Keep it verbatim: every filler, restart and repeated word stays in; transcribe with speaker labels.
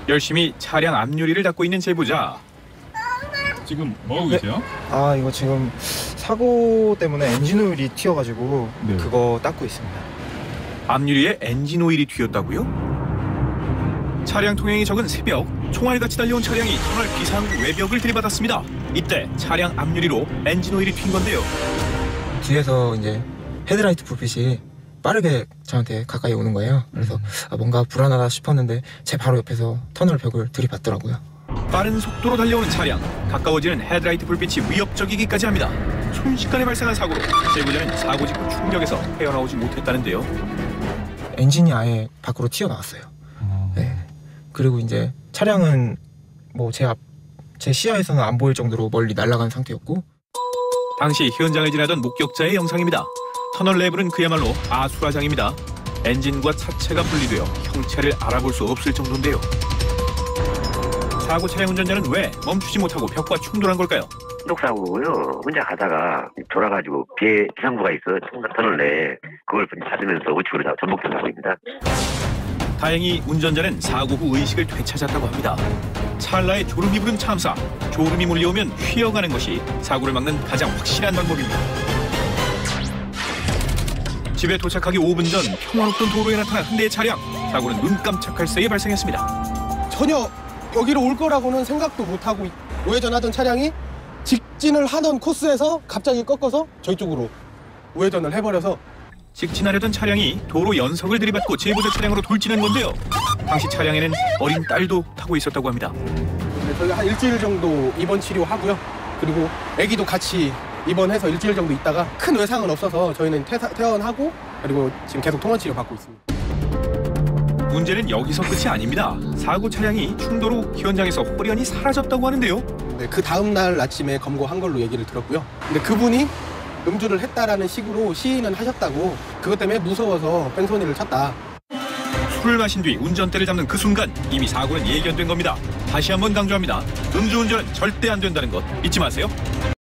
Speaker 1: 열심히 차량 앞유리를 닦고 있는 제보자.
Speaker 2: 지금 뭐하고
Speaker 3: 네.
Speaker 2: 계세요?
Speaker 3: 아 이거 지금 사고 때문에 엔진 오일이 튀어가지고
Speaker 2: 네.
Speaker 3: 그거 닦고 있습니다.
Speaker 1: 앞유리에 엔진 오일이 튀었다고요? 차량 통행이 적은 새벽, 총알같이 달려온 차량이 터널 비상 외벽을 들이받았습니다. 이때 차량 앞유리로 엔진 오일이 튄 건데요.
Speaker 3: 뒤에서 이제 헤드라이트 불빛이 빠르게 저한테 가까이 오는 거예요. 그래서 아, 뭔가 불안하다 싶었는데 제 바로 옆에서 터널 벽을 들이받더라고요.
Speaker 1: 빠른 속도로 달려오는 차량, 가까워지는 헤드라이트 불빛이 위협적이기까지 합니다. 순식간에 발생한 사고로 제보자는 사고 직후 충격에서 헤어나오지 못했다는데요.
Speaker 3: 엔진이 아예 밖으로 튀어나왔어요. 네. 그리고 이제 차량은 뭐 제 앞, 제 시야에서는 안 보일 정도로 멀리 날아간 상태였고,
Speaker 1: 당시 현장을 지나던 목격자의 영상입니다. 터널 내부는 그야말로 아수라장입니다. 엔진과 차체가 분리되어 형체를 알아볼 수 없을 정도인데요. 사고 차량 운전자는 왜 멈추지 못하고 벽과 충돌한 걸까요?
Speaker 4: 신독사고고요. 혼자 가다가 돌아가지고 비에 비상구가 있어 터널 내에 그걸 받으면서 우측으로 다 전복된 사고입니다.
Speaker 1: 다행히 운전자는 사고 후 의식을 되찾았다고 합니다. 찰나의 졸음이 부른 참사, 졸음이 몰려오면 휘어가는 것이 사고를 막는 가장 확실한 방법입니다. 집에 도착하기 오 분 전 평화롭던 도로에 나타난 한 대의 차량, 사고는 눈 깜짝할 새에 발생했습니다.
Speaker 5: 전혀 여기로 올 거라고는 생각도 못하고 우회전하던 차량이 직진을 하던 코스에서 갑자기 꺾어서 저희 쪽으로 우회전을 해버려서
Speaker 1: 직진하려던 차량이 도로 연석을 들이받고 제보자 차량으로 돌진한 건데요. 당시 차량에는 어린 딸도 타고 있었다고 합니다.
Speaker 5: 저희가 한 일주일 정도 입원 치료하고요. 그리고 아기도 같이 입원해서 일주일 정도 있다가 큰 외상은 없어서 저희는 퇴사, 퇴원하고 그리고 지금 계속 통원 치료 받고 있습니다.
Speaker 1: 문제는 여기서 끝이 아닙니다. 사고 차량이 충돌 후 현장에서 호련히 사라졌다고 하는데요.
Speaker 5: 네, 그 다음 날 아침에 검거한 걸로 얘기를 들었고요. 근데 그분이 음주를 했다라는 식으로 시인은 하셨다고, 그것 때문에 무서워서 뺑소니를 쳤다.
Speaker 1: 술을 마신 뒤 운전대를 잡는 그 순간 이미 사고는 예견된 겁니다. 다시 한번 강조합니다. 음주운전은 절대 안 된다는 것 잊지 마세요.